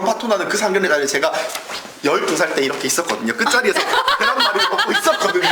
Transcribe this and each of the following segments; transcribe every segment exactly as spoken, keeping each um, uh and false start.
파토나는 그 상견례 자리에 제가 열두 살 때 이렇게 있었거든요. 끝자리에서 계란말이를 먹고 있었거든요.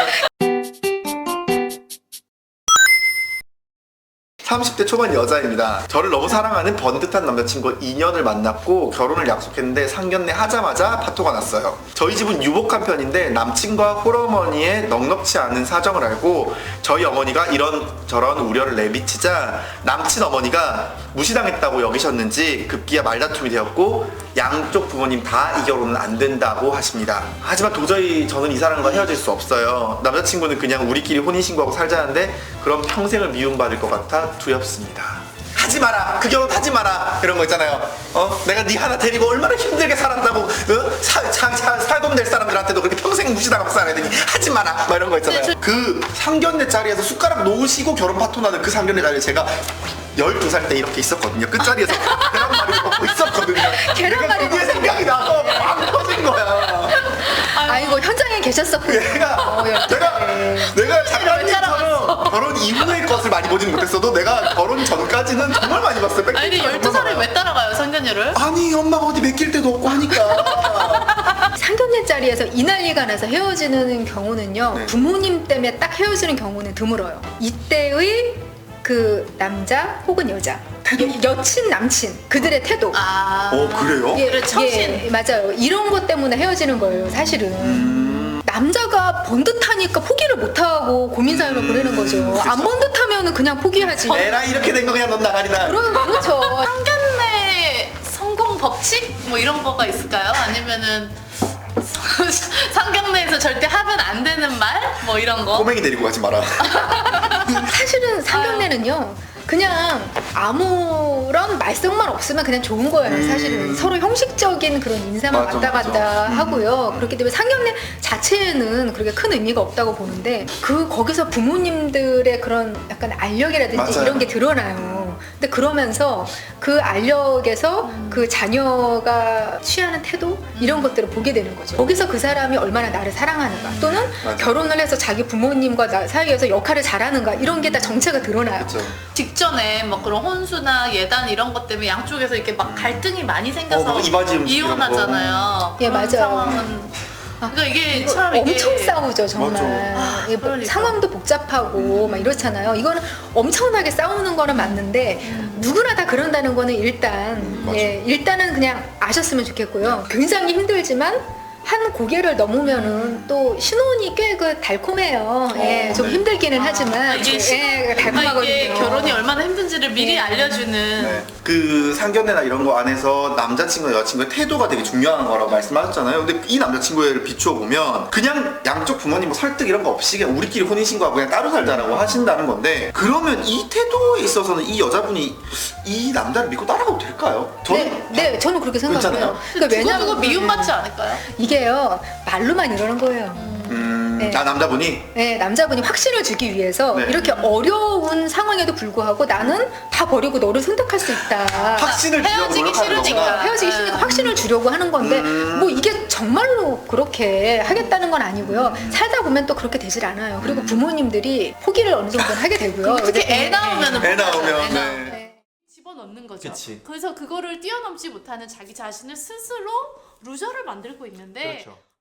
삼십 대 초반 여자입니다. 저를 너무 사랑하는 번듯한 남자친구 이 년을 만났고 결혼을 약속했는데 상견례 하자마자 파토가 났어요. 저희 집은 유복한 편인데 남친과 홀어머니의 넉넉지 않은 사정을 알고 저희 어머니가 이런저런 우려를 내비치자 남친 어머니가 무시당했다고 여기셨는지 급기야 말다툼이 되었고 양쪽 부모님 다 이 결혼은 안 된다고 하십니다. 하지만 도저히 저는 이 사람과 헤어질 수 없어요. 남자친구는 그냥 우리끼리 혼인신고하고 살자는데 그럼 평생을 미움받을 것 같아 두렵습니다. 하지 마라, 그 결혼 하지 마라, 이런 거 있잖아요. 어? 내가 네 하나 데리고 얼마나 힘들게 살았다고, 어? 사, 사, 사, 살돈 될 사람들한테도 그렇게 평생 무시당하고 살아야 되니 하지 마라, 막 이런 거 있잖아요. 네, 저... 그 상견례 자리에서 숟가락 놓으시고 결혼 파토나는 그 상견례 자리에 제가 열두 살 때 이렇게 있었거든요. 끝자리에서 계란말이를 먹고 있었거든요. 계란말이 그게 생각이 나서 막 터진 거야. 아이고, 현장에 계셨었군요. 내가 어, 내가 내가 작가님처럼 결혼 이후의 것을 많이 보지는 못했어도 내가 결혼 전까지는 정말 많이 봤어요. 아니 근데 열두 살을 왜 따라가요, 상견례를? 아니 엄마가 어디 맡길 데도 없고 하니까. 상견례 자리에서 이 난리가 나서 헤어지는 경우는요, 네. 부모님 때문에 딱 헤어지는 경우는 드물어요. 이때의 그 남자 혹은 여자, 태도? 여, 여친 남친 그들의 태도. 아. 어 그래요? 예, 그래, 처신. 예, 맞아요. 이런 것 때문에 헤어지는 거예요, 사실은. 음... 남자가 번듯하니까 포기를 못하고 고민 사연을 음, 보내는 거죠. 그쵸. 안 번듯하면 그냥 포기하지. 에라 이렇게 된 거 그냥 넌 나가리나. 그럼 그렇죠. 상견례 성공 법칙? 뭐 이런 거가 있을까요? 아니면은 상견례에서 절대 하면 안 되는 말? 뭐 이런 거? 꼬맹이 데리고 가지 마라. 사실은 상견례는요, 그냥 아무런 말썽만 없으면 그냥 좋은 거예요. 음. 사실은 서로 형식적인 그런 인사만 맞아, 왔다 갔다 맞아. 하고요. 음. 그렇기 때문에 상견례 자체에는 그렇게 큰 의미가 없다고 보는데, 그 거기서 부모님들의 그런 약간 알력이라든지 맞아요. 이런 게 드러나요. 근데 그러면서 그 알력에서 음. 그 자녀가 취하는 태도 이런 것들을 보게 되는 거죠. 거기서 그 사람이 얼마나 나를 사랑하는가, 또는 맞아. 결혼을 해서 자기 부모님과 나 사이에서 역할을 잘하는가, 이런 게 다 정체가 드러나요. 그렇죠. 직전에 막 그런 혼수나 예단 이런 것 때문에 양쪽에서 이렇게 막 갈등이 많이 생겨서 어, 이바지 음식 이런 이혼하잖아요. 예, 그런 맞아요. 상황은 그러니까 이게 참 이게 엄청 싸우죠, 정말. 맞아. 예, 뭐 그러니까. 상황도 복잡하고 막 이렇잖아요. 이거는 엄청나게 싸우는 거는 맞는데, 음. 누구나 다 그런다는 거는 일단 음, 맞아. 예, 일단은 그냥 아셨으면 좋겠고요. 굉장히 힘들지만 한 고개를 넘으면은 또 신혼이 꽤 그 달콤해요. 예, 어, 좀 네. 힘들기는 아, 하지만 이게 예, 신혼- 달콤하거든요. 이게 결혼이 얼마나 힘든지를 미리 네. 알려주는. 네. 그 상견례나 이런 거 안에서 남자친구 여자친구의 태도가 되게 중요한 거라고 말씀하셨잖아요. 근데 이 남자친구를 비추어 보면 그냥 양쪽 부모님 뭐 설득 이런 거 없이 그냥 우리끼리 혼인신고하고 그냥 따로 살자라고 하신다는 건데, 그러면 이 태도에 있어서는 이 여자분이 이 남자를 믿고 따라가도 될까요? 저는 네, 네, 저는 그렇게 생각해요. 괜찮아요? 그러니까 두고 두고 왜냐면 미움받지 않을까요? 이게요, 말로만 이러는 거예요. 음, 네. 아 남자분이 네, 남자분이 확신을 주기 위해서 네. 이렇게 어려운 상황에도 불구하고 나는 다 버리고 너를 선택할 수 있다. 확신을 주려고 헤어지기 노력하는 싫으니까. 거구나. 헤어지기 싫으니까 확신을 주려고 하는 건데, 음. 뭐 이게 정말로 그렇게 하겠다는 건 아니고요. 살다 보면 또 그렇게 되질 않아요. 그리고 부모님들이 포기를 어느 정도는 하게 되고요. 특히 네. 애 나오면은 애 나오면, 애 네. 나오면. 네. 집어넣는 거죠. 그치. 그래서 그거를 뛰어넘지 못하는 자기 자신을 스스로 루저를 만들고 있는데 그렇죠.